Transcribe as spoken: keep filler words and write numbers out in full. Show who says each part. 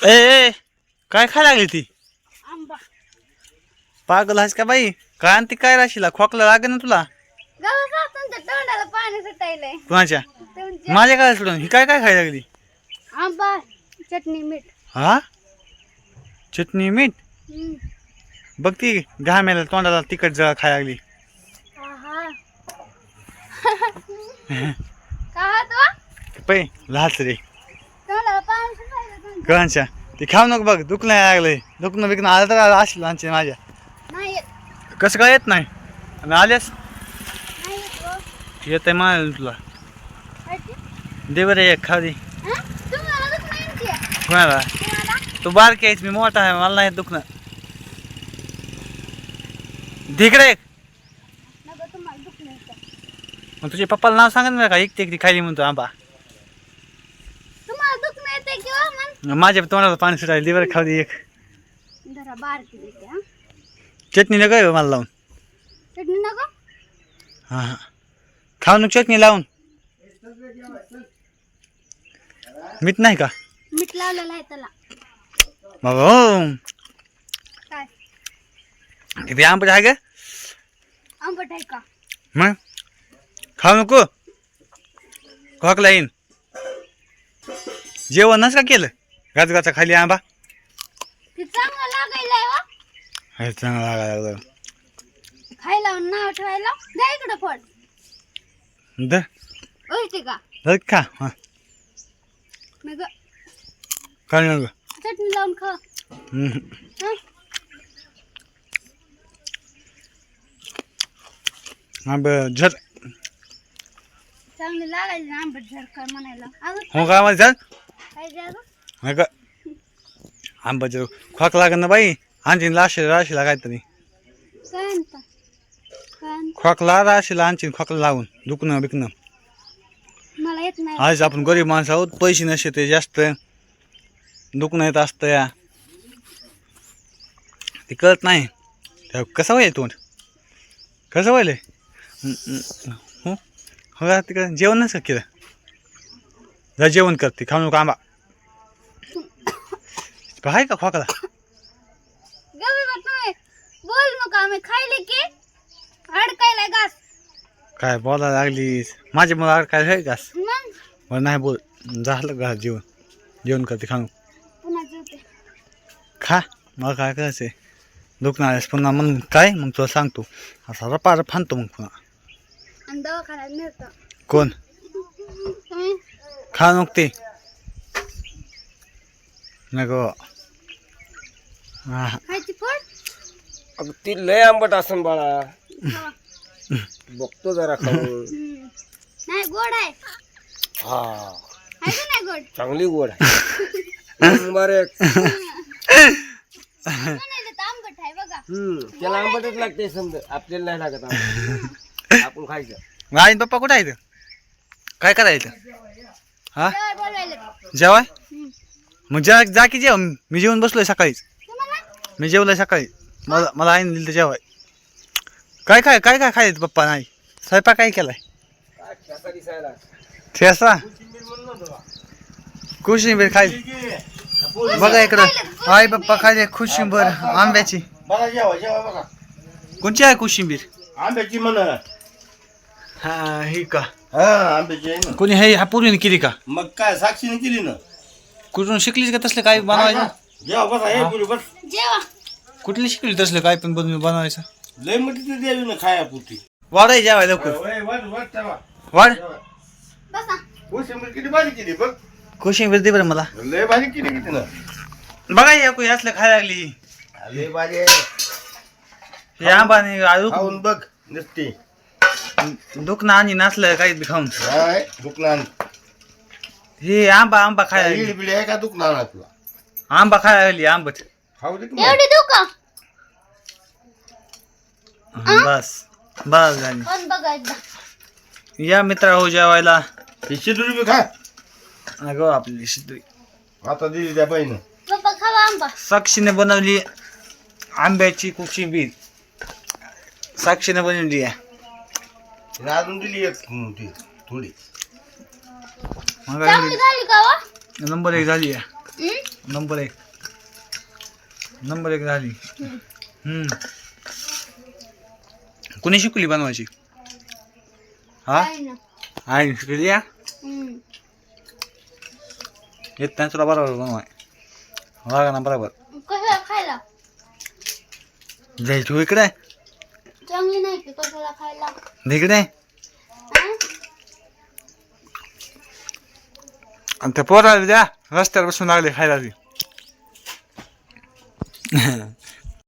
Speaker 1: ए ए काय खायला लागली ती
Speaker 2: आंबा
Speaker 1: पागल आहेस का बाई काय आणती काय राशीला खोकला लागेल ना तुला
Speaker 2: गावात तुमच्या तोंडाला पाणी सुटायलंय
Speaker 1: कुणाच्या
Speaker 2: तुमच्या
Speaker 1: माझ्या काय सोडून ही काय काय खायला लागली
Speaker 2: आंबा चटणी मीठ
Speaker 1: हा चटणी मीठ
Speaker 2: हम्म.
Speaker 1: बघ ती घामेला तोंडाला तिखट जळ खायला लागली
Speaker 2: आहा. का तो
Speaker 1: पै लहाच रे
Speaker 2: तोंडाला पाणी सुटायलं तुमच्या.
Speaker 1: कळांच्या ते खाऊ नको बघ दुखणं यायला लागलंय दुखणं बिकणं आलं तर असेल लहानचे माझ्या
Speaker 2: नाही येत
Speaker 1: कसं काय येत नाही आणि आल्यास
Speaker 2: नाही येत हो.
Speaker 1: येत आहे मला तुला
Speaker 2: काय ते?
Speaker 1: दे बरं एक खाऊ दे
Speaker 2: हं? तुम्हाला दुख नाही येत आहे?
Speaker 1: कोणाला
Speaker 2: तुम्हाला
Speaker 1: तू बारकी आहेस मी मोठा आहे मला नाही दुखणं तिकडे एक
Speaker 2: नको तुम्हाला दुख नाही येत आहे.
Speaker 1: मग तुझ्या पप्पाला नाव सांगत नाही का एकटी एकटी खायली म्हणतो आंबा
Speaker 2: तुम्हाला दुख नाही येते किंवा मग
Speaker 1: माझ्या तोंडाला पाणी सुटायला दे बरं खाऊ दे एक
Speaker 2: जरा बारकी देते हा
Speaker 1: चटणी नको आहे मला लावून
Speaker 2: चटणी नको
Speaker 1: हां हां खाऊ नको चटणी लावून मीठ नाही का
Speaker 2: मीठ लावलेलं आहे त्याला
Speaker 1: बाबा हो
Speaker 2: काय
Speaker 1: किती आंबट आहे का
Speaker 2: आंबट आहे का
Speaker 1: मग खाऊ नको खोकला येईन जेवणच का केलं गाचगाचा खाली आंबा
Speaker 2: ते चांगलं लागायला वा
Speaker 1: हे चांगलं लागायला लागलं
Speaker 2: खायला नाव ठेवायला द्या इकडं फळ
Speaker 1: दर
Speaker 2: ओय ते का
Speaker 1: दर खा हां
Speaker 2: मग
Speaker 1: काय नको
Speaker 2: चटणी लावून खा
Speaker 1: हम्म.
Speaker 2: हं?
Speaker 1: आंबा झर
Speaker 2: चांगली लागायची ना आंबट झरकर म्हणायला अगं
Speaker 1: हो का आम्हाला झर
Speaker 2: काय द्या
Speaker 1: नका आंबा जर खोक लागत ना बाई आणखीन लाशी राशीला काहीतरी
Speaker 2: काय आणता काय आणता
Speaker 1: खोकला राशीला आणखीन खोकला लावून दुखणं बिकणं
Speaker 2: मला येत नाही
Speaker 1: आज आपण गरीब माणसं आहोत पैसे नसते ते जास्त दुखणं येत असतं या ते कळत नाही त्या कसं व्हायला तोंड कसं व्हायलंय हो हो का तिकडं जेवण नसतं केलं जा जेवण करते खाऊ नको आंबा आहे का खोकला
Speaker 2: गवी बघ तुम्ही बोल नका आम्ही खायले की अडकायला घास
Speaker 1: काय बोलायला लागलीस माझे मला काय आहे का
Speaker 2: मग
Speaker 1: मला नाही बोल झालं का जेवण जेवण करते खाऊ
Speaker 2: पुन्हा जेवते
Speaker 1: खा मला काय करायचंय दुखणं आल्यास पुन्हा मग काय मग तुला सांगतो असा रपा रप फानतो मग पुन्हा
Speaker 2: आणि दवाखान्यात मिळतं
Speaker 1: कोण
Speaker 2: तुम्ही
Speaker 1: खा नको ते नको हा
Speaker 2: खायची फळ
Speaker 3: अगं ती लय आंबट असन बाळा
Speaker 2: हा.
Speaker 3: बघतो जरा खाऊन
Speaker 2: हम्म. नाही गोड आहे
Speaker 3: हा
Speaker 2: आहे का नाही गोड
Speaker 3: चांगली गोड आहे नंबर एक
Speaker 2: म्हणायला तर आंबट आहे बघा
Speaker 3: हम्म त्याला आंबटच लागते समजा आपल्याला नाही लागत आंबट. आपण खायचं
Speaker 1: आई पप्पा कुठं आहे काय करायचं हा
Speaker 2: जेवाय बोलवायला
Speaker 1: जेवाय
Speaker 2: हम्म.
Speaker 1: मग जा जा की जेव मी जेवण बसलोय सकाळीच
Speaker 2: तुम्हाला
Speaker 1: मी जेवलोय सकाळी मला मला आईने दिलं तर जेवाय काय काय काय काय खायचं पप्पा नाही स्वयंपाक काय केलाय
Speaker 3: काय ठेचा दिसायला
Speaker 1: ठेसा कोशिंबीर खायली बघा इकडं आई पप्पा खायले कोशिंबीर आंब्याची
Speaker 4: बघा जेवा जेवा बघा
Speaker 1: कोणची आहे कोशिंबीर
Speaker 4: आंब्याची म्हण
Speaker 1: हा ही का
Speaker 4: हा आंब्याची आहे ना
Speaker 1: कोणी हे ह्या पूर्वीने केली का
Speaker 4: मग काय साक्षीने केली ना
Speaker 1: कुठून शिकलीस का तसलं काय बनवायचं
Speaker 4: जेवा बसा हे पुरी बस
Speaker 2: जेवा
Speaker 1: कुठली शिकली तसलं काय पण बनवून बनवायचं
Speaker 4: लय मोठी तर द्यावी ना खाया पुरती
Speaker 1: वाढाय जेवाय लवकर
Speaker 4: वाट वाट ठेवा
Speaker 1: वाढ
Speaker 2: बसा
Speaker 4: कोशिंबीर किती भारी केली बघ
Speaker 1: कोशिंबीर दे बरं मला
Speaker 4: लय भारी केली किती ना
Speaker 1: बघा हे कोणी असलं खायला लागली
Speaker 4: लय भारी आहे
Speaker 1: हे आंबाने आळू
Speaker 4: खाऊन बघ नसते
Speaker 1: दुखणं आणि नाचलं काही बी खाऊन
Speaker 4: काय दुखणार
Speaker 1: हे आंबा आंबा खायला लागली
Speaker 4: इडी बिडी आहे का दुखणार ना तुला
Speaker 1: आंबा खायला लागली आंबट
Speaker 4: खाऊ दे की मग.
Speaker 2: एवढी देऊ का
Speaker 1: बस बस झाली
Speaker 2: पण बघा एकदा
Speaker 1: या मित्रा हो जेवायला
Speaker 4: ही शिदुरी बी खा
Speaker 1: अगो आपली शिदुरी
Speaker 4: आता दिली त्या बाईनं
Speaker 2: पप्पा खावा आंबा
Speaker 1: साक्षीने बनवली आंब्याची कोशिंबीर साक्षीने बनवली आहे
Speaker 4: तिने अजून दिली एक मोठी थोडी
Speaker 1: मग
Speaker 2: चांगली झाली का वा
Speaker 1: नंबर एक झाली आहे
Speaker 2: हम्म?
Speaker 1: नंबर एक नंबर एक झाली. हम्म. कोणी शिकवली बनवायची? हा
Speaker 2: आहे ना.
Speaker 1: आई शिकली या
Speaker 2: हम्म.
Speaker 1: येत नाही तुला बरोबर बनवाय बघा ना बरोबर.
Speaker 2: कशाला खायला
Speaker 1: जायची इकडे
Speaker 2: चांगली नाही की कशाला खायला
Speaker 1: इकडे
Speaker 2: हा?
Speaker 1: आणि त्या पोराला द्या रस्त्यावर बसून लागले खायला ती.